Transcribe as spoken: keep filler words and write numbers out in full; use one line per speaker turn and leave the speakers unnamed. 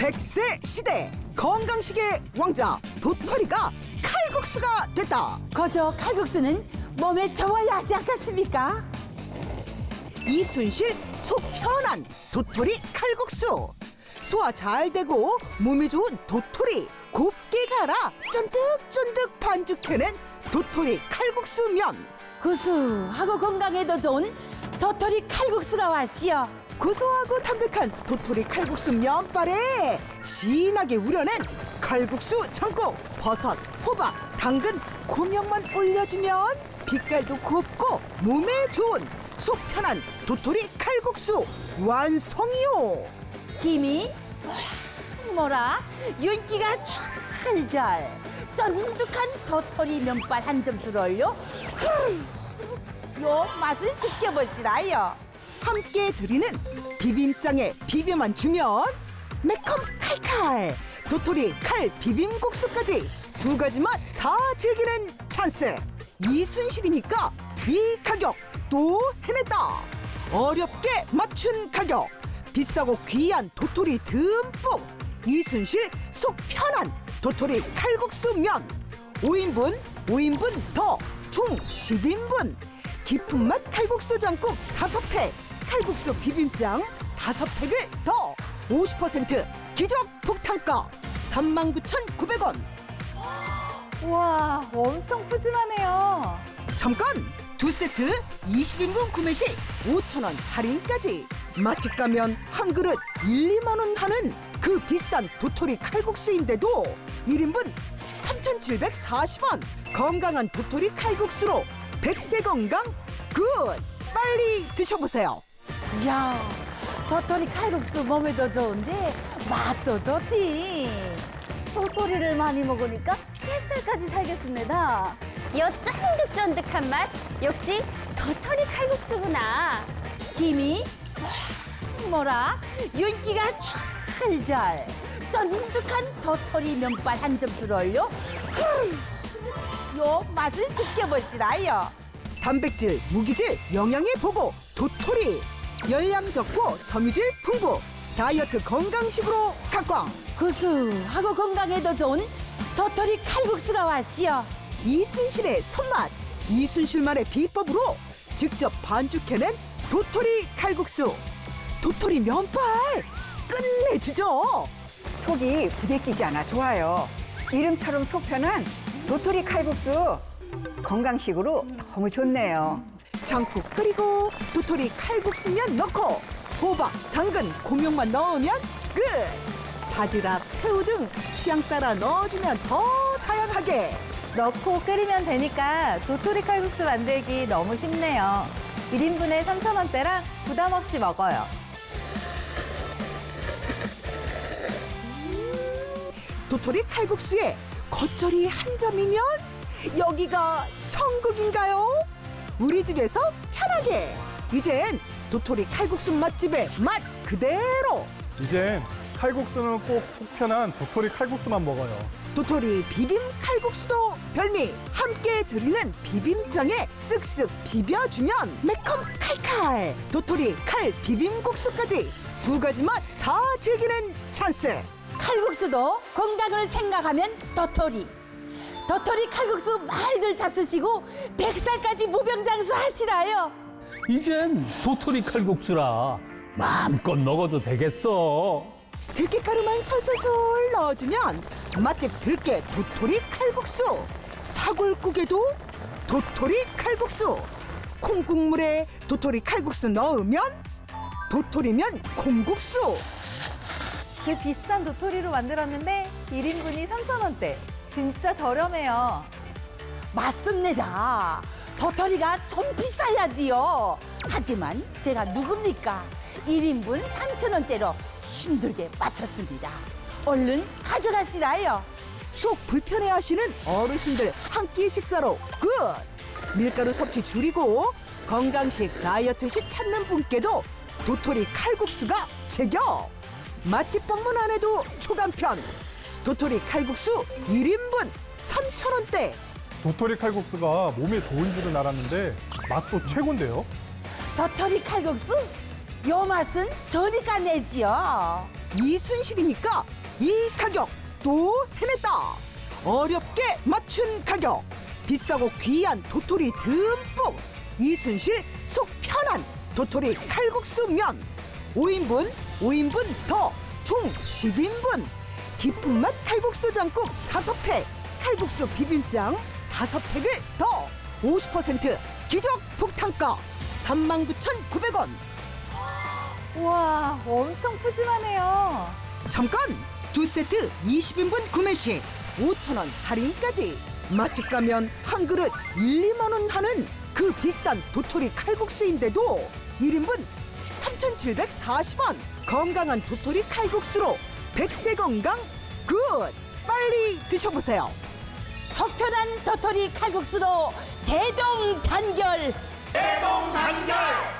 백 세 시대 건강식의 왕자 도토리가 칼국수가 됐다.
거저 칼국수는 몸에 좋아야 하지 않겠습니까?
이순실 속 편한 도토리 칼국수. 소화 잘 되고 몸에 좋은 도토리 곱게 갈아 쫀득쫀득 반죽해낸 도토리 칼국수면.
구수하고 건강에도 좋은 도토리 칼국수가 왔시요.
고소하고 담백한 도토리 칼국수 면발에 진하게 우려낸 칼국수 전국 버섯, 호박, 당근, 고명만 올려주면 빛깔도 곱고 몸에 좋은 속 편한 도토리 칼국수 완성이요.
김이 뭐라 뭐라 윤기가 찰잘 쫀득한 도토리 면발 한 점수를 올려 요 맛을 느껴보시라요.
함께 드리는 비빔장에 비벼만 주면 매콤 칼칼 도토리 칼 비빔국수까지 두 가지 맛 다 즐기는 찬스. 이순실이니까 이 가격 또 해냈다. 어렵게 맞춘 가격, 비싸고 귀한 도토리 듬뿍 이순실 속 편한 도토리 칼국수 면 오 인분 오 인분 더 총 십 인분 깊은 맛 칼국수 장국 다섯 팩 칼국수 비빔장 다섯 팩을 더 오십 퍼센트 기적 폭탄가 삼만 구천구백 원.
와 엄청 푸짐하네요.
잠깐! 두 세트 이십 인분 구매 시 오천 원 할인까지. 맛집 가면 한 그릇 일, 이만 원 하는 그 비싼 도토리 칼국수인데도 일 인분 삼천칠백사십 원. 건강한 도토리 칼국수로 백세 건강 굿! 빨리 드셔보세요.
이야 도토리 칼국수 몸에도 좋은데 맛도 좋디.
도토리를 많이 먹으니까 백 살까지 살겠습니다.
여 쫀득쫀득한 맛 역시 도토리 칼국수구나.
김이 뭐라 뭐라 윤기가 찰잘 쫀득한 도토리 면발 한 점수를 올려 요 맛을 느껴보시라요.
단백질, 무기질, 영양의 보고 도토리. 열량 적고 섬유질 풍부 다이어트 건강식으로 각광.
구수하고 건강에도 좋은 도토리 칼국수가 왔시요.
이순실의 손맛, 이순실만의 비법으로 직접 반죽해낸 도토리 칼국수. 도토리 면발 끝내주죠.
속이 부대끼지 않아 좋아요. 이름처럼 속 편한 도토리 칼국수 건강식으로 너무 좋네요.
장국 끓이고 도토리 칼국수면 넣고 호박, 당근, 고명만 넣으면 끝. 바지락, 새우 등 취향 따라 넣어주면 더 다양하게.
넣고 끓이면 되니까 도토리 칼국수 만들기 너무 쉽네요. 일 인분에 삼천 원대라 부담 없이 먹어요.
도토리 칼국수에 겉절이 한 점이면 여기가 천국인가요? 우리 집에서 편하게. 이젠 도토리 칼국수 맛집의 맛 그대로.
이젠 칼국수는 꼭 속편한 도토리 칼국수만 먹어요.
도토리 비빔 칼국수도 별미. 함께 드리는 비빔장에 쓱쓱 비벼주면 매콤 칼칼 도토리 칼 비빔국수까지 두 가지 맛 다 즐기는 찬스.
칼국수도 건강을 생각하면 도토리. 도토리 칼국수 말들 잡수시고 백 살까지 무병장수 하시라요.
이젠 도토리 칼국수라 마음껏 먹어도 되겠어.
들깨가루만 솔솔솔 넣어주면 맛집 들깨 도토리 칼국수. 사골국에도 도토리 칼국수. 콩국물에 도토리 칼국수 넣으면 도토리면 콩국수.
그 비싼 도토리로 만들었는데 일 인분이 삼천 원대. 진짜 저렴해요.
맞습니다. 도토리가 좀 비싸야 돼요. 하지만 제가 누굽니까? 일 인분 삼천 원대로 힘들게 맞췄습니다. 얼른 가져가시라요.
속 불편해하시는 어르신들 한 끼 식사로 굿! 밀가루 섭취 줄이고 건강식 다이어트식 찾는 분께도 도토리 칼국수가 제격! 맛집 방문 안 해도 초간편! 도토리 칼국수 일 인분 삼천 원대!
도토리 칼국수가 몸에 좋은 줄은 알았는데 맛도 최고인데요.
도토리 칼국수? 요 맛은 저니까 내지요.
이순실이니까 이 가격 또 해냈다. 어렵게 맞춘 가격, 비싸고 귀한 도토리 듬뿍, 이순실 속 편한 도토리 칼국수면. 오 인분, 오 인분 더 총 십 인분. 깊은 맛 칼국수 장국 다섯 팩, 칼국수 비빔장 다섯 팩을 더 오십 퍼센트 기적 폭탄가 삼만 구천구백 원.
우와, 엄청 푸짐하네요.
잠깐! 두 세트 이십 인분 구매 시 오천 원 할인까지. 맛집 가면 한 그릇 일, 이만 원 하는 그 비싼 도토리 칼국수인데도 일 인분 삼천칠백사십 원. 건강한 도토리 칼국수로 백세 건강 굿! 빨리 드셔보세요.
속편한 도토리 칼국수로 대동단결.
대동단결.